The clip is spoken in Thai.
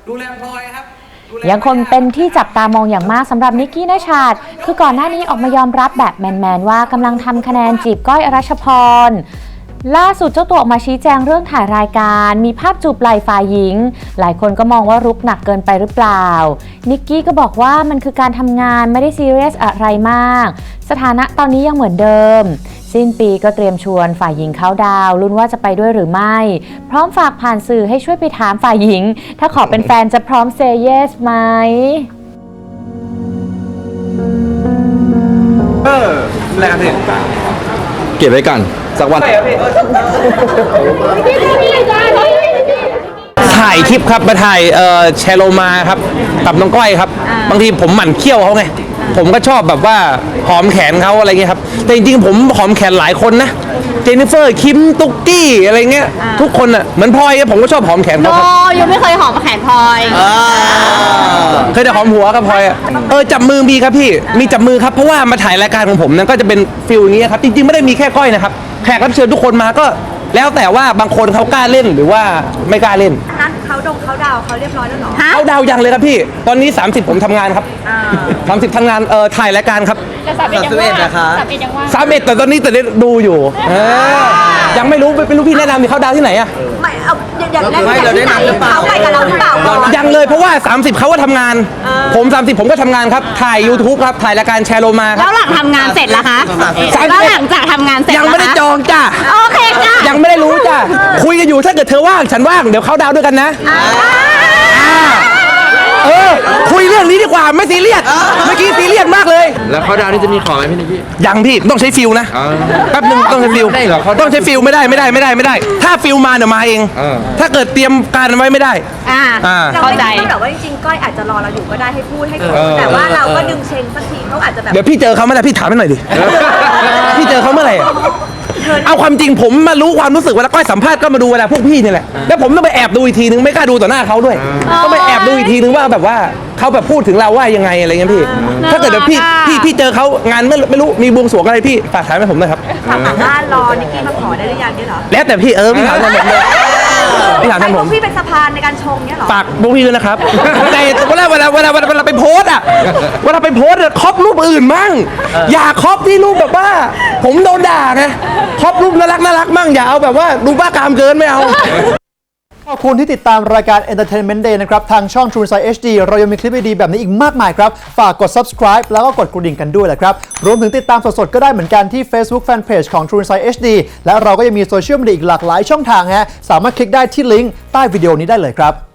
ดูแลพลอยครับยังคงเป็นที่จับตามองอย่างมากสำหรับนิกกี้ณชาติคือก่อนหน้านี้ออกมายอมรับแบบแมนๆว่ากำลังทำคะแนนจีบก้อยอรัชพรล่าสุดเจ้าตัวออกมาชี้แจงเรื่องถ่ายรายการมีภาพจูบไหล่ฝ่ายหญิงหลายคนก็มองว่ารุกหนักเกินไปหรือเปล่านิกกี้ก็บอกว่ามันคือการทำงานไม่ได้ซีเรียสอะไรมากสถานะตอนนี้ยังเหมือนเดิมสิ้นปีก็เตรียมชวนฝ่ายหญิงเข้าดาวลุ้นว่าจะไปด้วยหรือไม่พร้อมฝากผ่านสื่อให้ช่วยไปถามฝ่ายหญิงถ้าขอเป็นแฟนจะพร้อมเซย์เยสไหมอะไรครับพี่เก็บไว้ก่อนสักวันถ่ายคลิปครับมาถ่ายแชร์โลมาครับกับน้องก้อยครับบางทีผมหมั่นเคี้ยวเขาไงผมก็ชอบแบบว่าหอมแขนเขาอะไรเงี้ยครับแต่จริงๆผมหอมแขนหลายคนนะเจนนิเฟอร์คิมตุ๊กกี้อะไรเงี้ยทุกคนอ่ะเหมือนพลอยผมก็ชอบหอมแขนเขาครับยังไม่เคยหอมแขนพลอยเคยแต่หอมหัวกับพลอยจับมือมีครับพี่มีจับมือครับเพราะว่ามาถ่ายรายการของผมนั้นก็จะเป็นฟิลนี้ครับจริงๆไม่ได้มีแค่ก้อยนะครับแขกรับเชิญทุกคนมาก็แล้วแต่ว่าบางคนเขากล้าเล่นหรือว่าไม่กล้าเล่นนั้นเขาดาวเขาเรียบร้อยแล้วเหรอเขาดาวยังเลยครับพี่ตอนนี้30ผมทำงานครับ30ทำงานถ่ายรายการครับ 31นะคะ 31แต่ตอนนี้แต่ดูอยู่ยังไม่รู้พี่แนะนำมีเขาดาวที่ไหนอะไม่เอาอย่างแรกเขาไปกับเราหรือเปล่ายังเลยเพราะว่า30เขาก็ทำงานผม30ผมก็ทำงานครับถ่าย YouTube ครับถ่ายรายการแชร์โลมาครับแล้วหลังทำงานเสร็จล่ะคะแล้วหลังจากทำงานเสร็จยังไม่ได้จองจ้ะโอเคจ้ะยังไม่ได้รู้จ้ะคุยกันอยู่ถ้าเกิดเธอว่างฉันว่างเดี๋ยวเขาดาวด้วยกันนะคุยเรื่องนี้ดีกว่าไม่ซีเรียสเมื่อกี้ซีเรียสมากเลยแล้วเขาดาวนี่จะมีขอไหมพี่นิกกี้ยังพี่ต้องใช้ฟิลนะแป๊บนึงต้องใช้ฟิลได้เหรอต้องใช้ฟิลไม่ได้ถ้าฟิลมาเดี๋ยวมาเองถ้าเกิดเตรียมการไว้ไม่ได้เข้าใจแต่ว่าจริงๆก้อยอาจจะรอเราอยู่ก็ได้ให้พูดให้คุยแต่ว่าเราก็ดึงเชงสักทีเขาอาจจะแบบเดี๋ยวพี่เจอเขาเมื่อไหร่พี่ถามให้หน่อยดิพี่เจอเขาเมื่อไหร่เอาความจริงผมมารู้ความรู้สึกเวลาก้อยสัมภาษณ์ก็มาดูเวลาพวกพี่นี่แหละแล้วผมต้องไปแอบดูอีกทีนึงไม่กล้าดูต่อหน้าเขาด้วยต้องไปแอบดูอีกทีนึงว่าแบบว่าเขาแบบพูดถึงเราว่ายังไงอะไรเงี้ยพี่ถ้าเกิดเดี๋ยวพี่เจอเขางานไม่รู้มีบวงสรวงอะไรพี่ฝากถามให้ผมหน่อยครับถามว่ารอนิกกี้มาขอได้หรือยังเนี่ยเหรอแล้วแต่พี่พี่ถามผมเลยพี่ถามผมพี่เป็นสะพานในการชงเนี่ยหรอฝากพวกพี่ด้วยนะครับแต่เวลาไปโพสอะเวลาไปโพสคอปรูปอื่นมั่งอย่าคอปที่รูปแบบว่าผมโดนด่าไงคอปรูปน่ารักมั่งอย่าเอาแบบว่าดูบ้ากามเกินไม่เอาขอบคุณที่ติดตามรายการ Entertainment Day นะครับทางช่อง True Insight HD เรายังมีคลิปดีๆแบบนี้อีกมากมายครับฝากกด subscribe แล้วก็กดกระดิ่งกันด้วยแหละครับรวมถึงติดตามสดๆก็ได้เหมือนกันที่ Facebook Fanpage ของ True Insight HD และเราก็ยังมีโซเชียลมีเดียอีกหลากหลายช่องทางฮะสามารถคลิกได้ที่ลิงก์ใต้วิดีโอนี้ได้เลยครับ